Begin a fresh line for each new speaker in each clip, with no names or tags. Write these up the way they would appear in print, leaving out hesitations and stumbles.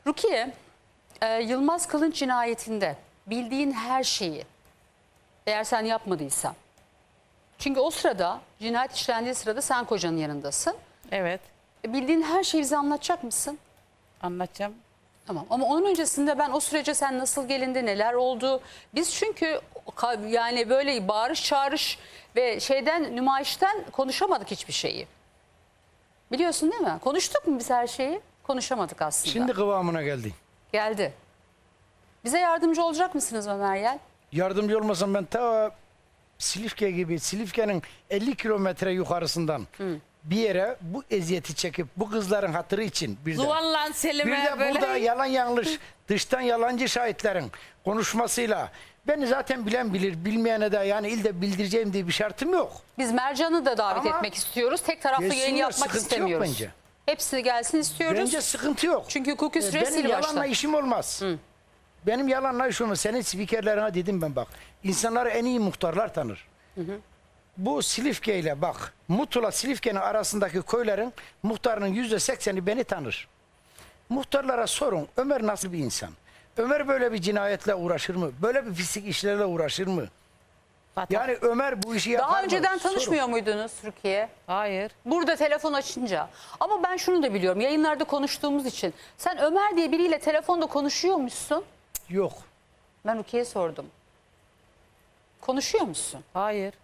Rukiye, Yılmaz Kılınç cinayetinde bildiğin her şeyi, eğer sen yapmadıysan, çünkü o sırada, cinayet işlendiği sırada sen kocanın yanındasın.
Evet.
Bildiğin her şeyi bize anlatacak mısın?
Anlatacağım.
Tamam, ama onun öncesinde ben o sürece sen nasıl gelindi, neler oldu? Biz çünkü yani böyle bağırış çağırış ve nümayişten konuşamadık hiçbir şeyi. Biliyorsun değil mi? Konuştuk mu biz her şeyi? Konuşamadık aslında.
Şimdi kıvamına geldi.
Geldi. Bize yardımcı olacak mısınız Ömer Yel?
Yardımcı olmasam ben ta Silifke gibi, Silifke'nin 50 kilometre yukarısından bir yere bu eziyeti çekip bu kızların hatırı için bir de
Zuvallan Selim'e böyle.
burada yalan yanlış dıştan yalancı şahitlerin konuşmasıyla beni zaten bilen bilir, bilmeyene de yani ilde bildireceğim diye bir şartım yok.
Biz Mercan'ı da davet
Ama
etmek istiyoruz. Tek taraflı yayın
gelsinler,
yapmak
sıkıntı yok
istemiyoruz.
bence.
Hepsi gelsin istiyoruz.
Bence sıkıntı yok.
Çünkü hukuki süre
Benim
sil
yalanla
başta.
işim olmaz. Benim yalanla işim olmaz. Senin spikerlerine dedim ben bak. İnsanları en iyi muhtarlar tanır. Bu Silifke ile bak. Mutlu'la Silifke'nin arasındaki köylerin muhtarının %80'i beni tanır. Muhtarlara sorun. Ömer nasıl bir insan? Ömer böyle bir cinayetle uğraşır mı? Böyle bir pislik işlerle uğraşır mı? Yani Ömer bu işi yapar mı?
Daha önceden
Sorun.
tanışmıyor muydunuz Rukiye?
Hayır.
Burada telefon açınca. Ama ben şunu da biliyorum. Yayınlarda konuştuğumuz için. Sen Ömer diye biriyle telefonda konuşuyormuşsun.
Yok.
Ben Rukiye'ye sordum. Konuşuyor musun?
Hayır.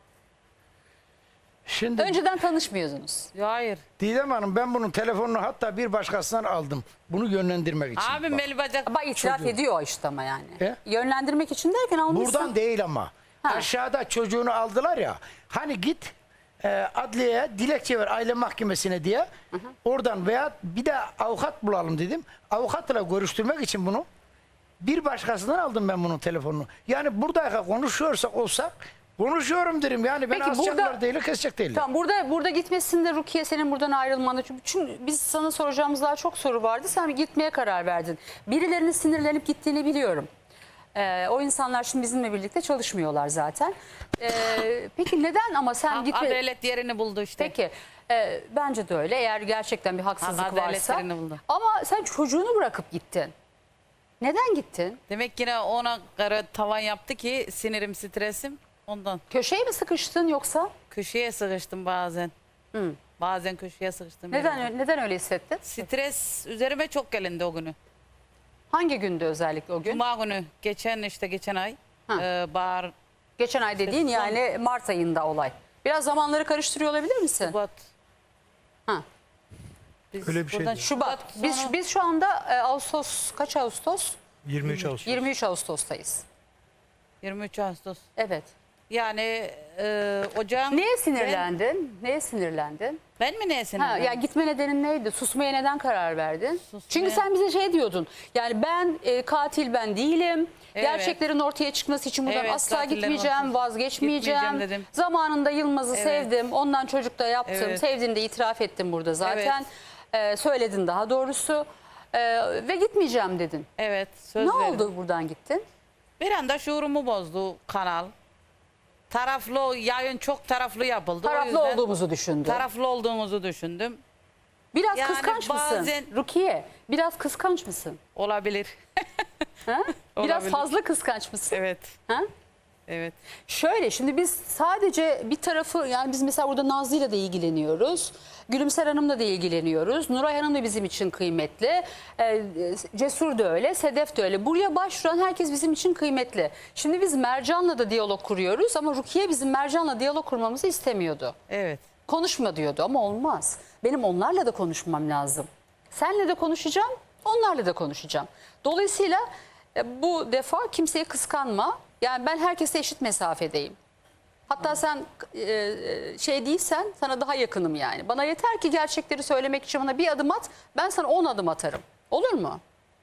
Şimdi
Önceden tanışmıyordunuz.
Hayır.
Didem Hanım ben bunun telefonunu hatta bir başkasından aldım. Bunu yönlendirmek için.
Abim
Bak.
beni bacak.
Ama itiraf
Çocuğu.
ediyor işte ama yani.
He?
Yönlendirmek için derken almışsın.
Buradan değil ama.
Ha.
Aşağıda çocuğunu aldılar ya. Hani git adliyeye dilekçe ver aile mahkemesine diye. Oradan veya bir de avukat bulalım dedim. Avukatla görüştürmek için bunu bir başkasından aldım ben bunun telefonunu. Yani buradayken konuşuyorsak olsak konuşuyorum derim. Yani ben
Peki
asacaklar
burada-
değil, kesecek değil.
Tamam, burada gitmesinde Rukiye senin buradan ayrılmanı. Çünkü biz sana soracağımız daha çok soru vardı. Sen bir gitmeye karar verdin. Birilerinin sinirlenip gittiğini biliyorum. O insanlar şimdi bizimle birlikte çalışmıyorlar zaten. Peki neden ama sen gitme...
Adalet yerini buldu işte.
Peki bence de öyle. Eğer gerçekten bir haksızlık
Adalet
varsa.
yerini buldu.
Ama sen çocuğunu bırakıp gittin. Neden gittin?
Demek yine ona göre tavan yaptı ki sinirim, stresim ondan.
Köşeye mi sıkıştın yoksa?
Köşeye sıkıştım bazen. Bazen köşeye sıkıştım.
Neden öyle hissettin?
Stres üzerime çok gelindi o günü.
Hangi gündü özellikle o gün?
Cuma günü geçen ay
Ha.
bahar,
Geçen ay dediğin
son-
yani Mart ayında olay. Biraz zamanları karıştırıyor olabilir misin?
Şubat.
Ha.
Biz
Öyle bir şeydi.
buradan
Şubat.
sonra-
Biz şu anda Ağustos, kaç Ağustos?
23 Ağustos.
23 Ağustos'tayız.
23 Ağustos.
Evet.
Yani ocağın...
Neye sinirlendin? Neye sinirlendin?
Ben mi neye
Ha,
sinirlendim?
ya gitme nedenin neydi? Susmaya neden karar verdin?
Susmaya-
Çünkü sen bize şey diyordun. Yani ben katil ben değilim.
Evet.
Gerçeklerin ortaya çıkması için buradan
Evet,
asla
katillerin
gitmeyeceğim,
ortaya-
vazgeçmeyeceğim.
Gitmeyeceğim dedim.
Zamanında Yılmaz'ı
Evet.
sevdim. Ondan çocuk da yaptım.
Evet.
Sevdiğini de itiraf ettim burada zaten. Söyledin daha doğrusu. Ve gitmeyeceğim dedin.
Evet, söz
Ne
verdim.
oldu buradan gittin?
Bir anda şuurumu bozdu kanal. Taraflı, yayın çok taraflı yapıldı. O
Taraflı
yüzden
olduğumuzu düşündün.
taraflı olduğumuzu düşündüm.
Biraz
Yani
kıskanç
bazen-
mısın? Rukiye, biraz kıskanç mısın?
Olabilir.
Ha? Biraz
Olabilir.
fazla kıskanç mısın?
Evet,
Ha?
evet.
Şöyle şimdi biz sadece bir tarafı, yani biz mesela burada Nazlı'yla da ilgileniyoruz. Gülümser Hanım'la da ilgileniyoruz. Nuray Hanım da bizim için kıymetli. Cesur da öyle, Sedef de öyle. Buraya başvuran herkes bizim için kıymetli. Şimdi biz Mercan'la da diyalog kuruyoruz ama Rukiye bizim Mercan'la diyalog kurmamızı istemiyordu.
Evet.
Konuşma diyordu ama olmaz. Benim onlarla da konuşmam lazım. Senle de konuşacağım, onlarla da konuşacağım. Dolayısıyla bu defa kimseye kıskanma. Yani ben herkese eşit mesafedeyim. Hatta sen şey değilsen sana daha yakınım yani. Bana yeter ki gerçekleri söylemek için bana bir adım at, ben sana 10 adım atarım. Olur mu?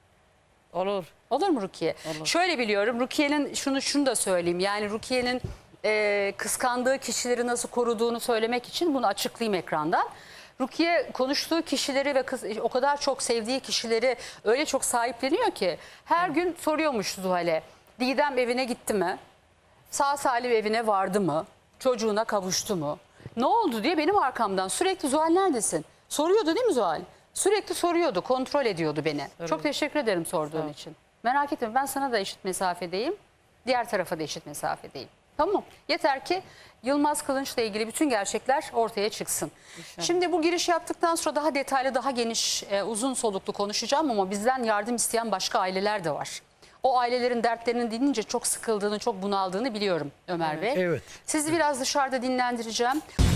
Olur.
Olur mu Rukiye?
Olur.
Şöyle biliyorum, Rukiye'nin şunu da söyleyeyim. Yani Rukiye'nin kıskandığı kişileri nasıl koruduğunu söylemek için bunu açıklayayım ekrandan. Rukiye konuştuğu kişileri ve o kadar çok sevdiği kişileri öyle çok sahipleniyor ki her gün soruyormuş Zuhal'e. Didem evine gitti mi? Sağ salim evine vardı mı? Çocuğuna kavuştu mu? Ne oldu diye benim arkamdan sürekli Zuhal neredesin? Soruyordu değil mi Zuhal? Sürekli soruyordu, kontrol ediyordu beni. Çok teşekkür ederim sorduğun için. Merak etme, ben sana da eşit mesafedeyim. Diğer tarafa da eşit mesafedeyim. Tamam. Yeter ki Yılmaz Kılınç'la ilgili bütün gerçekler ortaya çıksın. Şimdi bu giriş yaptıktan sonra daha detaylı, daha geniş, uzun soluklu konuşacağım ama bizden yardım isteyen başka aileler de var. O ailelerin dertlerini dinleyince çok sıkıldığını, çok bunaldığını biliyorum Ömer Bey.
Evet.
Sizi biraz dışarıda dinlendireceğim.